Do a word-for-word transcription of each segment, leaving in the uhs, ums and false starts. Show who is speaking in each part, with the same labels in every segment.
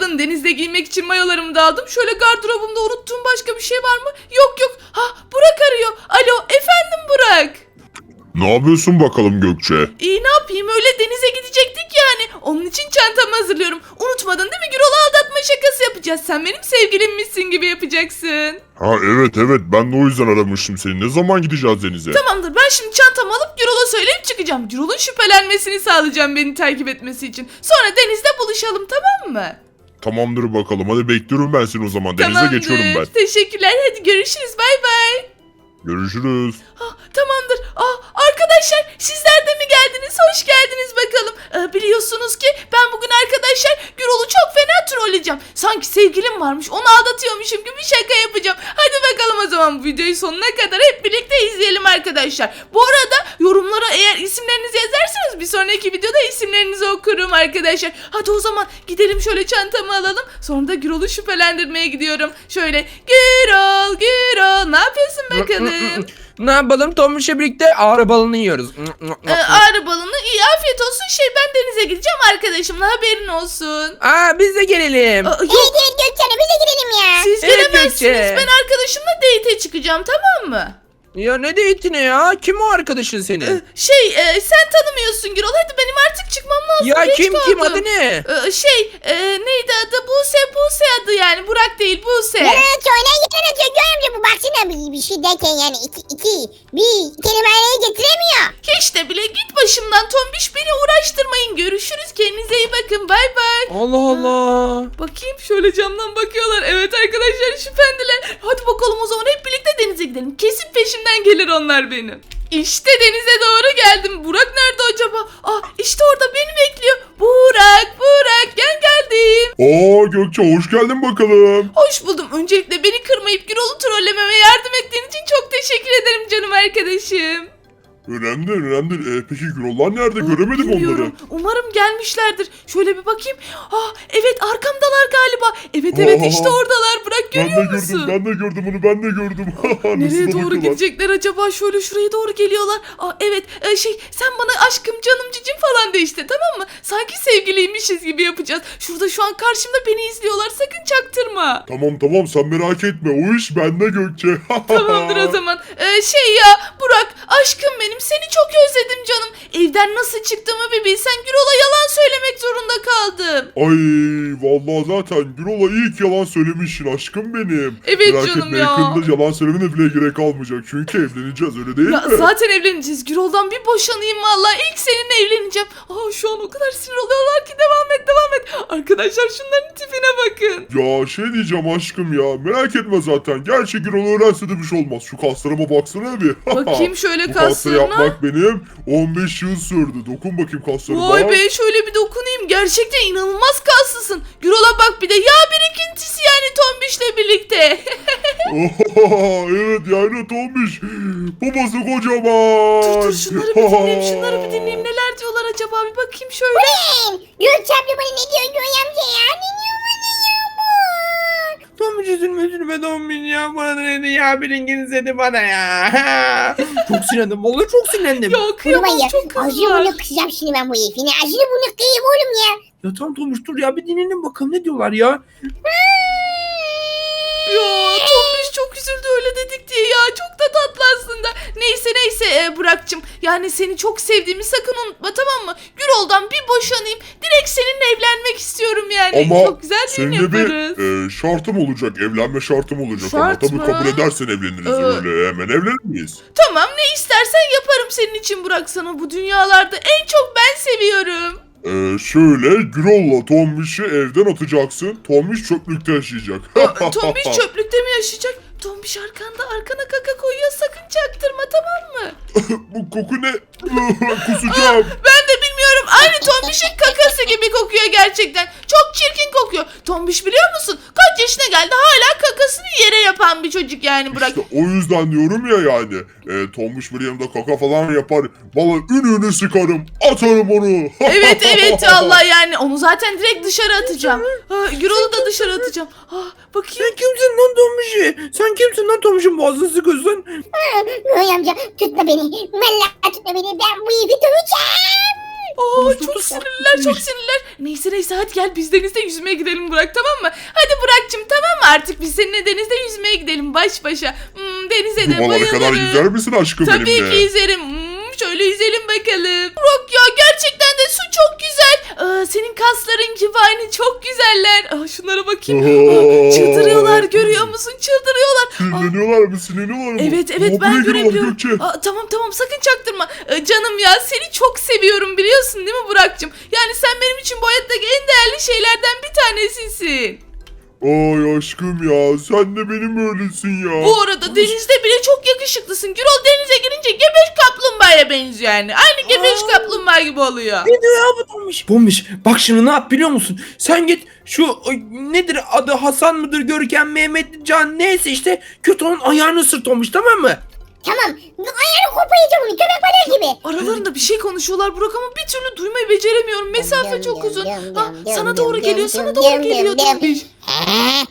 Speaker 1: bakın denizde giymek için mayolarımı da aldım. Şöyle gardırobumda unuttuğum başka bir şey var mı? Yok yok. Ha Burak arıyor. Alo efendim Burak.
Speaker 2: Ne yapıyorsun bakalım Gökçe?
Speaker 1: İyi ne yapayım öyle denize gidecektik yani. Onun için çantamı hazırlıyorum. Unutmadın değil mi? Gürol'u aldatma şakası yapacağız. Sen benim sevgilimmişsin gibi yapacaksın.
Speaker 2: Ha evet evet ben de o yüzden aramıştım seni. Ne zaman gideceğiz denize?
Speaker 1: Tamamdır ben şimdi çantamı alıp Gürol'a söyleyip çıkacağım. Gürol'un şüphelenmesini sağlayacağım beni takip etmesi için. Sonra denizde buluşalım tamam mı?
Speaker 2: Tamamdır bakalım. Hadi bekliyorum ben seni o zaman. Denize
Speaker 1: Tamamdır.
Speaker 2: geçiyorum ben.
Speaker 1: Teşekkürler hadi görüşürüz bay bay.
Speaker 2: Görüşürüz.
Speaker 1: Ah, tamamdır. Ah, arkadaşlar sizler de mi geldiniz? Hoş geldiniz bakalım. Ee, biliyorsunuz ki ben bugün arkadaşlar Gürol'u çok fena trolleyeceğim. Sanki sevgilim varmış onu aldatıyormuşum gibi şaka yapacağım. Hadi bakalım o zaman bu videoyu sonuna kadar hep birlikte izleyelim arkadaşlar. Bu arada yorumlara eğer isimlerinizi yazarsanız bir sonraki videoda isimlerinizi okurum arkadaşlar. Hadi o zaman gidelim şöyle çantamı alalım. Sonra da Gürol'u şüphelendirmeye gidiyorum. Şöyle Gürol Gürol ne yapıyorsun bakalım?
Speaker 3: Ne yapalım? Tombiş'le birlikte ağrı balını yiyoruz.
Speaker 1: Ee, ağrı balını iyi afiyet olsun şey ben denize gideceğim arkadaşımla haberin olsun.
Speaker 3: Aa biz de gelelim.
Speaker 1: Aa,
Speaker 4: Evet
Speaker 1: yok
Speaker 4: evet Gökçen'e biz de gidelim ya.
Speaker 1: siz
Speaker 3: Evet,
Speaker 1: gelemezsiniz
Speaker 3: Gökçe.
Speaker 1: ben arkadaşımla date'e çıkacağım tamam mı?
Speaker 3: Ya ne date'ine ya? Kim o arkadaşın
Speaker 1: Ee,
Speaker 3: senin?
Speaker 1: şey e, sen tanımıyorsun Gürol hadi benim artık çıkmam lazım.
Speaker 3: Ya
Speaker 1: geç
Speaker 3: kim kim
Speaker 1: kaldım.
Speaker 3: adı ne?
Speaker 1: Ee, şey e, neydi adı Buse Buse adı yani Burak değil Buse.
Speaker 4: Yalan atıyor lan yalan atıyor. Görüyor musun bu baksana bir, bir şey derken yani iki, iki bir kelimeyi getiremiyor.
Speaker 1: Hiç de bile git başımdan tombiş beni uğraştırmayın görüşürüz kendinize iyi bakın bay bay.
Speaker 3: Allah Allah.
Speaker 1: Bakayım şöyle camdan bakıyorlar. Evet arkadaşlar şüphendiler. Hadi bakalım o zaman hep birlikte denize gidelim. Kesin peşimden gelir onlar benim. İşte denize doğru geldim. Burak nerede acaba? Ah işte orada beni bekliyor. Burak, Burak gel geldim.
Speaker 2: Aa Gökçe hoş geldin bakalım.
Speaker 1: Hoş buldum. Öncelikle beni kırmayıp Gürol'u trollememe yardım ettiğin için çok teşekkür ederim canım arkadaşım.
Speaker 2: Önemli değil, önemli değil. Ee, peki Gürollar nerede? Göremedim
Speaker 1: Bilmiyorum.
Speaker 2: onları.
Speaker 1: Umarım gelmişlerdir. Şöyle bir bakayım. Ah evet arkamdalar galiba. Evet evet
Speaker 2: Aa,
Speaker 1: işte oradalar. Burak
Speaker 2: Ben de
Speaker 1: görüyor
Speaker 2: gördüm,
Speaker 1: musun?
Speaker 2: ben de gördüm onu, ben de gördüm.
Speaker 1: Nereye
Speaker 2: Nasıl da
Speaker 1: doğru
Speaker 2: bakıyorlar.
Speaker 1: gidecekler acaba? Şöyle şuraya doğru geliyorlar. Aa, evet e, şey sen bana aşkım canım cicim falan de işte tamam mı? Sanki sevgiliymişiz gibi yapacağız. Şurada şu an karşımda beni izliyorlar. Sakın çaktırma.
Speaker 2: Tamam tamam sen merak etme. O iş bende Gökçe.
Speaker 1: Tamamdır o zaman. Ee, şey ya Burak aşkım benim seni çok özledim canım. Evden nasıl çıktığımı bir bilsen Gürol'a yalan söylemek zorunda kaldım.
Speaker 2: Ay vallahi zaten Gürol'a ilk yalan söylemişsin aşkım benim.
Speaker 1: Evet
Speaker 2: Merak
Speaker 1: canım
Speaker 2: etme,
Speaker 1: ya.
Speaker 2: yakında yalan söylemene bile gerek kalmayacak. Çünkü evleneceğiz öyle değil
Speaker 1: Ya
Speaker 2: mi?
Speaker 1: zaten evleneceğiz. Gürol'dan bir boşanayım vallahi. İlk seninle evleneceğim. Aa şu an o kadar sinir oluyorlar ki devam et devam et. Arkadaşlar şunların tipine bakın.
Speaker 2: Ya şey diyeceğim aşkım ya. Merak etme zaten. Gerçi Gürol öğrense de bir şey olmaz. Şu kaslarıma baksana bir.
Speaker 1: Bakayım şöyle
Speaker 2: Bu kasları
Speaker 1: kaslarına.
Speaker 2: yapmak benim on beş yıl sürdü. Dokun bakayım kaslarıma.
Speaker 1: Vay be şöyle bir dokunayım. Gerçekten inanılmaz kaslısın. Gürol'a bak bir de yağ birikintisi yani Tombiş'le birlikte.
Speaker 2: Oha, evet yani Tombiş. Babası kocaman.
Speaker 1: dur dur şunları bir dinleyeyim şunları bir dinleyeyim. Neler diyorlar acaba bir bakayım şöyle.
Speaker 4: Ben Gökçe abla bana ne diyor Göğe amca ya? Ne diyor bana ya bu?
Speaker 3: Tombiş üzülme üzülme Tombiş ya. Bana da dedi ya biriniz dedi bana ya. Çok sinirlendim. Vallahi çok sinirlendim.
Speaker 1: Ya
Speaker 4: Bunu
Speaker 1: kıyamam
Speaker 4: ben ya.
Speaker 1: çok
Speaker 4: Ağzını
Speaker 1: kızlar.
Speaker 4: bunu kısacağım şimdi ben bu herifine. Ağzını bunu kıyayım oğlum ya.
Speaker 3: Ya tamam Tombiş dur ya bir dinleyelim bakalım ne diyorlar ya.
Speaker 1: Ya Tombiş çok üzüldü öyle dedik diye ya çok da tatlı aslında. Neyse neyse e, Burak'cığım yani seni çok sevdiğimi sakın unutma tamam mı? Gürol'dan bir boşanayım direkt seninle evlenmek istiyorum yani.
Speaker 2: Ama
Speaker 1: çok güzel düğün
Speaker 2: senin de
Speaker 1: yaparız.
Speaker 2: bir e, şartım olacak. Evlenme şartım olacak. Ama
Speaker 1: Şart
Speaker 2: tabii
Speaker 1: mı?
Speaker 2: kabul edersen evleniriz
Speaker 1: Ee,
Speaker 2: öyle. Hemen evlenir miyiz?
Speaker 1: Tamam ne istersen yaparım senin için Burak sana bu dünyalarda en çok ben seviyorum.
Speaker 2: Ee, şöyle Gürol'la Tombiş'i evden atacaksın. Tombiş çöplükte yaşayacak.
Speaker 1: Aa, Tombiş çöplükte mi yaşayacak? Tombiş arkanda arkana kaka koyuyor sakın çaktırma tamam mı?
Speaker 2: Bu koku ne? Kusacağım.
Speaker 1: Ben de bilmiyorum aynı Tombiş'in kakası gibi kokuyor gerçekten. Çok çirkin kokuyor. Tombiş biliyor musun? Kaç yaşına geldi hala kakasını yere yapan bir çocuk yani Burak.
Speaker 2: İşte o yüzden diyorum ya yani. E, Tombiş bir yanımda kaka falan yapar. Valla ününü sıkarım. Atarım onu.
Speaker 1: Evet evet Allah yani onu zaten direkt dışarı atacağım. Ha, Gürol'u da dışarı atacağım. Ha, bakayım.
Speaker 3: Sen kimsin lan Tombiş'i? Sen kimsin lan Tombiş'in boğazını sıkıyorsun?
Speaker 4: Göğe amca tutma beni. Vallahi tutma beni. Ben bu herifi döveceğim.
Speaker 1: Aa,
Speaker 3: Dur,
Speaker 1: çok
Speaker 3: dur,
Speaker 1: sinirliler
Speaker 3: dur.
Speaker 1: çok sinirliler. Neyse neyse hadi gel biz denizde yüzmeye gidelim Burak, tamam mı? Hadi Burak'cığım, tamam mı? Artık biz seninle denizde yüzmeye gidelim baş başa. Hmm, denize de
Speaker 2: Dumalara kadar
Speaker 1: bayılırım.
Speaker 2: yüzer misin aşkım
Speaker 1: Tabii
Speaker 2: benimle?
Speaker 1: ki yüzerim. Hmm, şöyle yüzelim bakalım. Burak ya, gerçekten de su çok güzel. Aa, senin kasların gibi aynı, çok güzeller. Aa, şunlara bakayım. Aa, çıldırıyorlar, görüyor musun? Çıldırıyorlar. Aa,
Speaker 2: Sinirleniyorlar mı? Sinirleniyorlar mı?
Speaker 1: evet evet
Speaker 2: Aa,
Speaker 1: ben
Speaker 2: buraya giriyorlar
Speaker 1: görebiliyorum.
Speaker 2: Gökçe.
Speaker 1: Aa, tamam tamam sakın çaktırma. Ee, canım ya, seni çok seviyorum biliyorsun değil mi Burak'cığım? Yani sen benim için bu hayattaki en değerli şeylerden bir tanesisin.
Speaker 2: Ay aşkım ya, sen de benim öylesin ya.
Speaker 1: Bu arada denizde bile çok yakışıklısın. Gürol denize girince gebeş kaplumbağaya benziyor yani. Aynı gebeş
Speaker 3: Aa.
Speaker 1: kaplumbağa gibi oluyor.
Speaker 3: Ne diyor ya bu Tombiş? Tombiş bak şimdi ne yap biliyor musun? Sen git şu ay, nedir adı, Hasan mıdır, Görkem, Mehmet, Can neyse işte, kötü onun ayağını ısır Tombiş, tamam mı?
Speaker 4: Tamam. Ayağını koparacağım onu köpek balığı gibi.
Speaker 1: Aralarında bir şey konuşuyorlar Burak ama bir türlü duymayı beceremiyorum. Mesafe çok uzun. Ha, sana doğru geliyor, sana doğru geliyor Tombiş.
Speaker 4: He?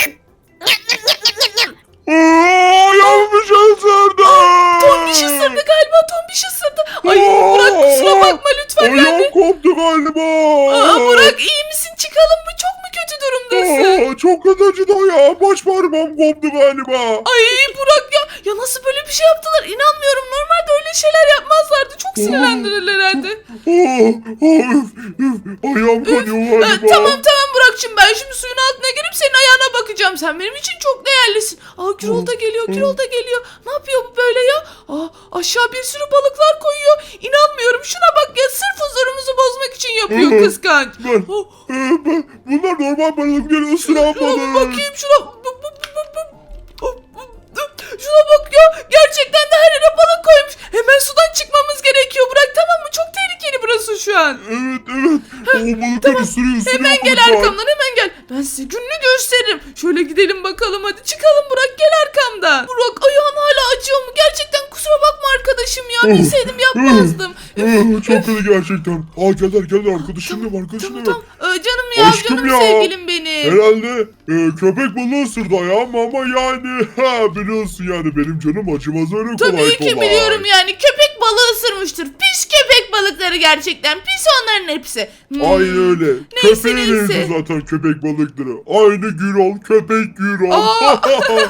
Speaker 2: Aa, yanlış ısırdı.
Speaker 1: Tombiş ısırdı galiba, Tombiş ısırdı. Ay Burak kusura bakma lütfen yani.
Speaker 2: Ayağım koptu galiba.
Speaker 1: Aa, Burak iyi misin? Çıkalım mı? Çok mu kötü durumdasın?
Speaker 2: Aa, çok kötü acıdı ya. Baş parmağım koptu galiba.
Speaker 1: Ay Burak ya, ya nasıl böyle bir şey yaptılar? İnanmıyorum. Normalde öyle şeyler yapmazlardı. Çok sinirlendiler herhalde.
Speaker 2: Aa, aa, üf, üf. Ayağım kanıyor
Speaker 1: Ee,
Speaker 2: galiba.
Speaker 1: tamam tamam Burak'cığım, ben şimdi suyun altına girip senin ayağına bakacağım. Sen benim için çok değerlisin. Aa Gürol da geliyor, Gürol da geliyor. Ne yapıyor bu böyle ya? Aa, aşağı bir sürü balıklar koyuyor. İnanmıyorum, şuna bak ya, sırf huzurumuzu bozmak için yapıyor kıskanç.
Speaker 2: Ben,
Speaker 1: Oh,
Speaker 2: e, ben, bunlar normal balık bir ısıran
Speaker 1: şuna bir
Speaker 2: balık.
Speaker 1: bakayım şuna. Bu- bu- bu- bu- bu- Şuna bak ya, gerçekten de her yere balık koymuş. Hemen sudan çıkmamız gerekiyor Burak, tamam mı? Çok tehlikeli burası şu an.
Speaker 2: Evet evet. O balıklar ısırıyor ısırıyor.
Speaker 1: Hemen gel
Speaker 2: balıklar.
Speaker 1: arkamdan, hemen gel. Ben size gününü gösteririm. Şöyle gidelim bakalım, hadi çıkalım Burak, gel arkamdan. Burak ayağın hala acıyor mu? Gerçekten kusura bakma arkadaşım ya. Bilseydim yapmazdım.
Speaker 2: Aa, çok kötü gerçekten. Aa geldiler geldiler arkadaşım da var arkadaşım
Speaker 1: Tamam
Speaker 2: da var.
Speaker 1: tamam. Ee, canım ya,
Speaker 2: Aşkım
Speaker 1: canım
Speaker 2: ya.
Speaker 1: sevgilim benim.
Speaker 2: Herhalde e, köpek balığı ısırdı ayağımı ama yani ha, biliyorsun yani benim canım acımaz öyle kolay kolay.
Speaker 1: Tabii ki biliyorum yani, köpek balığı ısırmıştır. Pis köpek balıkları, gerçekten pis onların hepsi. Hmm.
Speaker 2: Aynen öyle.
Speaker 1: Neyse,
Speaker 2: Köpeğe
Speaker 1: neyse.
Speaker 2: benziyor zaten köpek balıkları. Aynı Gürol, köpek Gürol.
Speaker 1: Aa.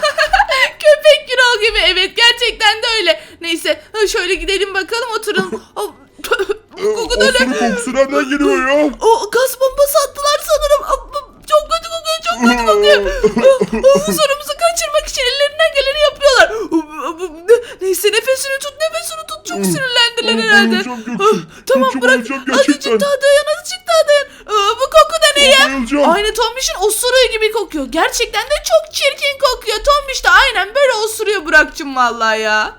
Speaker 1: Köpek Gürol gibi, evet gerçekten de öyle. Neyse ha, şöyle gidelim bakalım, oturalım. Aa, Koku da ne?
Speaker 2: Osuruk kokusu nereden geliyor ya?
Speaker 1: O gaz bombası attılar sanırım. Aa, çok kötü kokuyor, çok kötü kokuyor. Aa, huzurumuzu kaçırmak için ellerinden geleni yapıyorlar. Neyse nefesini tut, nefesini tut. Çok sinirlendiler herhalde.
Speaker 2: Bayılacağım Gökçe.
Speaker 1: Ah, tamam
Speaker 2: Gökçe,
Speaker 1: bırak.
Speaker 2: bayılacağım gerçekten.
Speaker 1: Azıcık daha dayan, azıcık daha dayan. Aa, bu koku da ne ya?
Speaker 2: Bayılacağım.
Speaker 1: Aynı Tombiş'in osuruğu gibi kokuyor. Gerçekten de çok çirkin kokuyor. Tombiş de aynen böyle osuruyor Burak'cığım vallahi ya.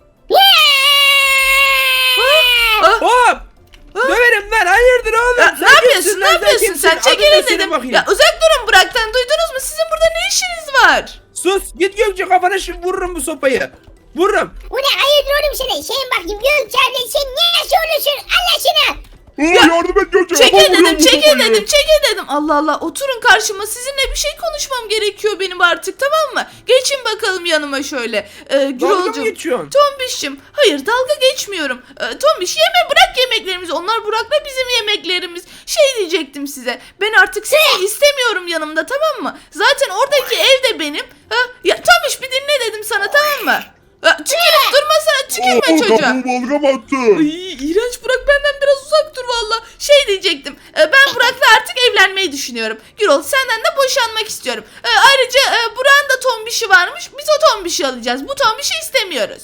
Speaker 1: Ah,
Speaker 3: Hop! Döverim lan, hayırdır oğlum?
Speaker 1: ya,
Speaker 3: Sen
Speaker 1: ne yapıyorsun?
Speaker 3: kimsin
Speaker 1: Ne
Speaker 3: lan,
Speaker 1: yapıyorsun
Speaker 3: kimsin?
Speaker 1: sen?
Speaker 3: Adın ne
Speaker 1: Çekilin
Speaker 3: senin
Speaker 1: dedim.
Speaker 3: bakayım?
Speaker 1: Ya uzak durun Burak'tan. Duydunuz mu? Sizin burada ne işiniz var?
Speaker 3: Sus, git Gökçe, kafana şimdi vururum bu sopayı. Vururum.
Speaker 4: Bu ne hayırdır oğlum sana? Şeyin bakayım Gökçe abla sen niye nasıl olursun? Allah aşkına.
Speaker 2: Aa, yardım et Gökçe.
Speaker 1: Çekil
Speaker 2: Kafam vuruyor
Speaker 1: dedim,
Speaker 2: bu
Speaker 1: çekil
Speaker 2: kafayı.
Speaker 1: dedim, çekil dedim. Allah Allah, oturun karşıma. Sizinle bir şey konuşmam gerekiyor benim artık, tamam mı? Geçin bakalım yanıma şöyle. Ee,
Speaker 3: Dalga mı
Speaker 1: Gürolcuğum.
Speaker 3: geçiyorsun?
Speaker 1: Tombiş'im. Hayır, dalga geçmiyorum. Ee, Tombiş yeme, bırak yemeklerimizi. Onlar Burak'la bizim yemeklerimiz. Şey diyecektim size. Ben artık sizi istemiyorum yanımda, tamam mı? Zaten oradaki ev de benim. Ha? Ya Tombiş bir dinle dedim sana, tamam mı? Ha, tükürüp durmasana, tükürme
Speaker 2: Aa,
Speaker 1: çocuğa.
Speaker 2: kafamı balgam attı.
Speaker 1: Ay, iğrenç, Burak benden biraz uzak dur valla. Şey diyecektim. e, Ben Burak'la artık evlenmeyi düşünüyorum. Gürol, senden de boşanmak istiyorum. E, Ayrıca e, Burak'ın da tombişi varmış. Biz o tombişi alacağız. Bu tombişi istemiyoruz.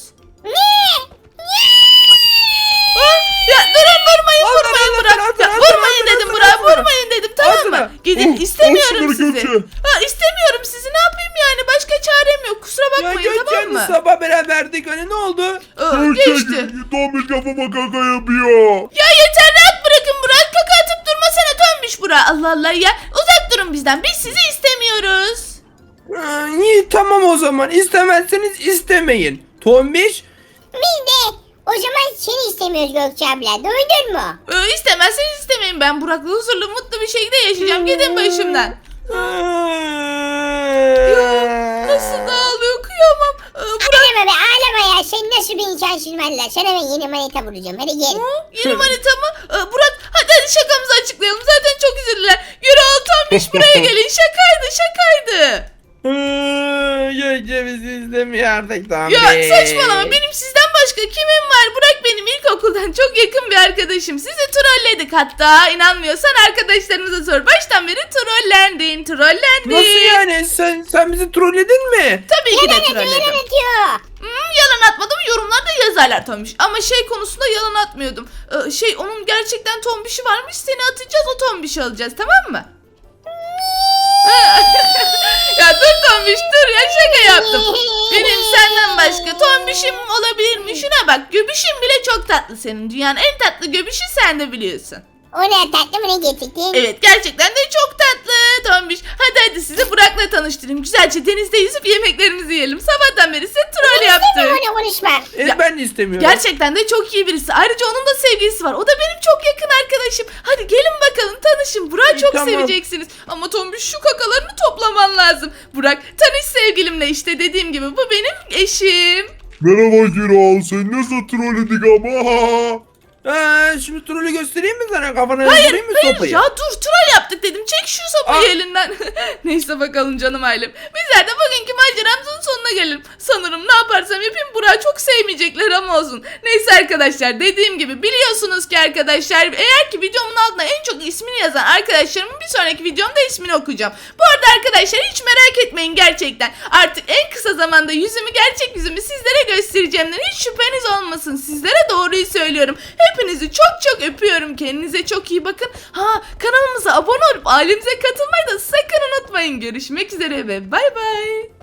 Speaker 1: Ha? Ya durun, vurmayın
Speaker 3: Al,
Speaker 1: vurmayın
Speaker 3: al, al,
Speaker 1: Burak.
Speaker 3: al,
Speaker 1: Ya,
Speaker 3: al, al,
Speaker 1: vurmayın
Speaker 3: al,
Speaker 1: dedim
Speaker 3: al,
Speaker 1: Burak,
Speaker 3: al, al.
Speaker 1: vurmayın dedim, tamam
Speaker 3: Al
Speaker 1: mı?
Speaker 3: sana.
Speaker 1: Gidin,
Speaker 2: Oh,
Speaker 1: istemiyorum
Speaker 2: al şunları
Speaker 1: sizi.
Speaker 2: Gökçe.
Speaker 1: Ha, istemiyorum sizi, ne yapayım yani, başka çarem yok. Kusura
Speaker 3: Ya
Speaker 1: bakmayın, tamam
Speaker 3: Gökçe'nin
Speaker 1: mı?
Speaker 3: sabah beraberdik, hani ne oldu?
Speaker 1: Aa,
Speaker 2: Gökçe
Speaker 1: geçti.
Speaker 2: Tombiş kafama kaka yapıyor.
Speaker 1: Ya yeter, rahat bırakın Burak. Kaka atıp durmasana Tombiş Burak. Allah Allah ya. Uzak durun bizden. Biz sizi istemiyoruz.
Speaker 3: Ha, iyi tamam o zaman, istemezseniz istemeyin. Tombiş,
Speaker 4: Biz de o zaman seni istemiyoruz Gökçe abla. Duydun mu?
Speaker 1: Ee, istemezseniz istemeyin. Ben Burak'la huzurlu mutlu bir şekilde yaşayacağım. Gidin başımdan. Ya, nasıl da ağlıyor, kıyamam. Ee, Burak
Speaker 4: ağlama be ağlama ya. Sen nasıl bir insansın valla. Sana ben yeni manita vuracağım. Hadi gel.
Speaker 1: Yeni manita mı? Ee, Burak hadi hadi şakamızı açıklayalım. Zaten çok üzüldüler. Gürol Tombiş buraya gelin. Şakaydı şakaydı.
Speaker 3: Gökçe bizi istemiyor artık tamam.
Speaker 1: Ya saçmalama benim sizden başka kimim var? Burak benim ilkokuldan çok yakın bir arkadaşım. Sizi trolledik hatta. İnanmıyorsan arkadaşlarımıza sor. Baştan beri trollendin trollendin.
Speaker 3: Nasıl yani? Sen sen bizi trolledin mi?
Speaker 1: Tabii ki de
Speaker 4: Yalan atıyor
Speaker 1: trolledim.
Speaker 4: yalan atıyor.
Speaker 1: Hmm, yalan atmadım yorumlarda yazarlar Tombiş. Ama şey konusunda yalan atmıyordum. Ee, şey onun gerçekten Tombiş'i varmış. Seni atacağız o Tombiş'i alacağız tamam mı? Ya dur Tombiş dur ya şaka yaptım. Benim senden başka Tombiş'im olabilir mi? Şuna bak göbüşün bile çok tatlı senin. Dünyanın en tatlı göbüşü sen de biliyorsun.
Speaker 4: O ne tatlı mı ne getirdin?
Speaker 1: Evet gerçekten de çok tatlı Tombiş. Hadi hadi sizi Burak'la tanıştırayım. Güzelce denizde yüzüp yemeklerimizi yiyelim. Sabahtan beri size troll yaptık.
Speaker 4: İstemiyorum onu konuşma.
Speaker 3: E,
Speaker 1: Ya-
Speaker 3: ben de istemiyorum.
Speaker 1: Gerçekten de çok iyi birisi. Ayrıca onun da sevgilisi var. O da benim çok yakın arkadaşım. Hadi gelin bakalım tanışın. Burak'ı çok
Speaker 3: Tamam.
Speaker 1: seveceksiniz. Ama Tombiş şu kakalarını toplaman lazım. Burak tanış sevgilimle işte dediğim gibi. Bu benim eşim.
Speaker 2: Merhaba Gürol, sen nasıl trolledik ama?
Speaker 3: Aa, şimdi trolü göstereyim mi sana? Kafana
Speaker 1: Hayır,
Speaker 3: vurayım mı
Speaker 1: hayır
Speaker 3: sopayı?
Speaker 1: ya dur troll yaptık dedim. Çek şu sopayı
Speaker 3: Aa.
Speaker 1: elinden. Neyse bakalım canım ailem. Bizler de bugünkü maceramızın sonuna gelelim. Sanırım ne yaparsam yapayım Burak'ı çok sevmeyecekler ama olsun. Neyse arkadaşlar dediğim gibi biliyorsunuz ki arkadaşlar eğer ki videomun altına en çok ismini yazan arkadaşlarımın bir sonraki videomda ismini okuyacağım. Bu arada arkadaşlar hiç merak etmeyin gerçekten. Artık en kısa zamanda yüzümü gerçek yüzümü sizlere göstereceğimden hiç şüpheniz olmasın. Sizlere doğruyu söylüyorum. Hepinizi çok çok öpüyorum. Kendinize çok iyi bakın. Ha kanalımıza abone olup ailemize katılmayı da sakın unutmayın. Görüşmek üzere ve bay bay.